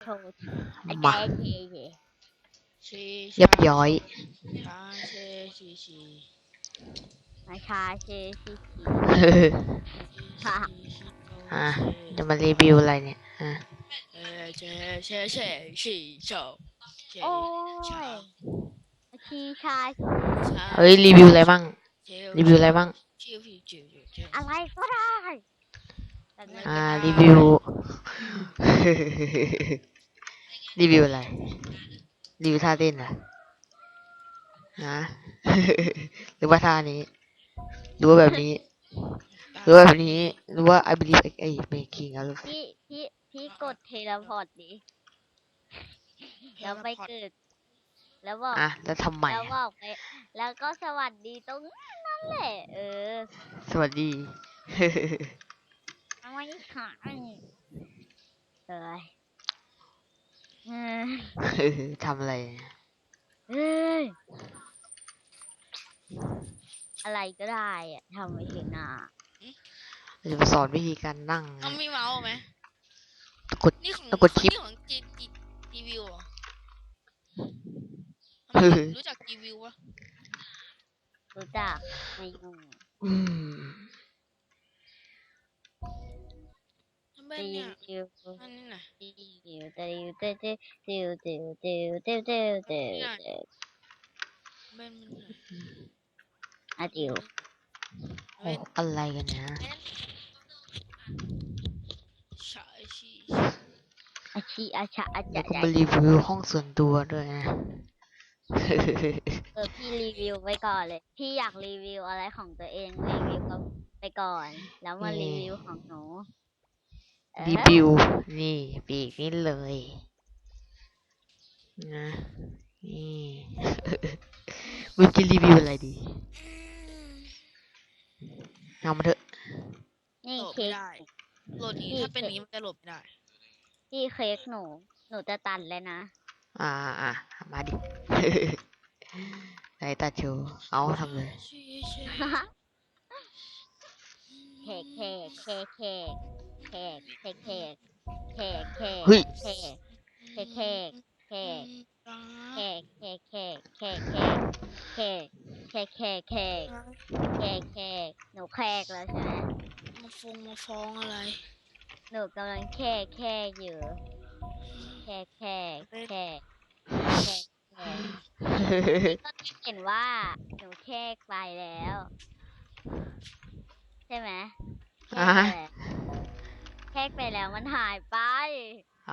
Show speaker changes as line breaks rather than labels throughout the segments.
ว์อา
มา
จารย์เย่
ชี
เรียบร้อย
ชาเชชีชี
มาชาเชชิชิ
ชีชี
อ่ะจะมารีวิวอะไรเนี่ยฮะ
เชเชเชชีโชเช
โอ้
ชาย
ชีชา
เฮ้ยรีวิวอะไรบ้างรีวิวอะไรบ้าง
ชิวชิวชิว
อะไรก็ได้แต่นั่น
รีวิว รีวิวอะไรรีวิวท่าเต้นเหรอฮะ หรือว่าท่านี้หรือว่าแบบนี้หรือว่าแบบนี้หรือว่า I believe I making อะไร
พี่กดเทเลพอร์ตดิแล้วไปเกิดแล้วบอก
แล้วทำไม
แล้วบอกไปแล้วก็สวัสดีตรงนั้นแหละ
สวัสดี
ไม่ค่ะเอ้ย
ทำอะไร
เอ้ยอะไรก็ได้อะทำไม่ถึงอ่ะ
จะมาสอนวิธีการนั่ง
เอามีเมาส์ไหม
กด
นี่ของ
แล้วกดชิป
นี่ของจีวิวเหรอรู้จักจีวิวปะ
รู้จักในยู
ทำไม
ติ
เนี่ยว
ติว
อันนี้น่ะ
ติวติวติวติวติวติวติวติวติวติวติว
เบนมันน่ะ
อะติว
เบน
อะไรกันเนี่ย
ชาชี
อาชีอาชาอา
เดี๋
จะ
ยวก็มารีวิวห้องส่วนตัวด้วยนะ
พี่รีวิวไปก่อนเลย พี่อยากรีวิวอะไรของตัวเองรีวิวไปก่อน แล้วมารีวิวของหนู
รีวิวนี่ปีกนี่เลยนะนี่ วิวจะรีวิวอะไรดีเอามาเถอะ
นี่
โหลด
เค้
ไม่
ก
ได้โหลดนี้ถ้าเป็นนี้มันจะโหลดไม่ได้
พี่เค้กหนูจะตัดเลยนะ
มาดิ ไหนตัดโชว์เอาทำเลย
ชีชี
เค้กเค้กเค้กเค้กเค้กเค้กเค้กเค้กเค้ก
เฮ้ย
เค้กเค้กเค้กเค้กเค้กเค้กเค้กเค้กเค้กเค้กเค้กเค้กเค้กเค้กหนูแค้กแล้วใช่ไหม
มาฟ้องอะไร
หนูกำลังแค้กแค้กอยู่แค้กแค้กแค้กแค้กแค้กก็เห็นว่าหนูแค้กไปแล้ว ใช่ไหมแค้กไปแล้วมันหายไป
เอา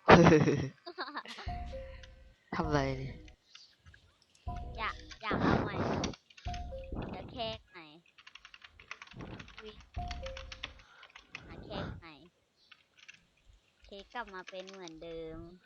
ทำอะไรเนี่ย
อยากเอาใหม่จะแค้กไหนหาแค้กไหนเค้กกลับมาเป็นเหมือนเดิม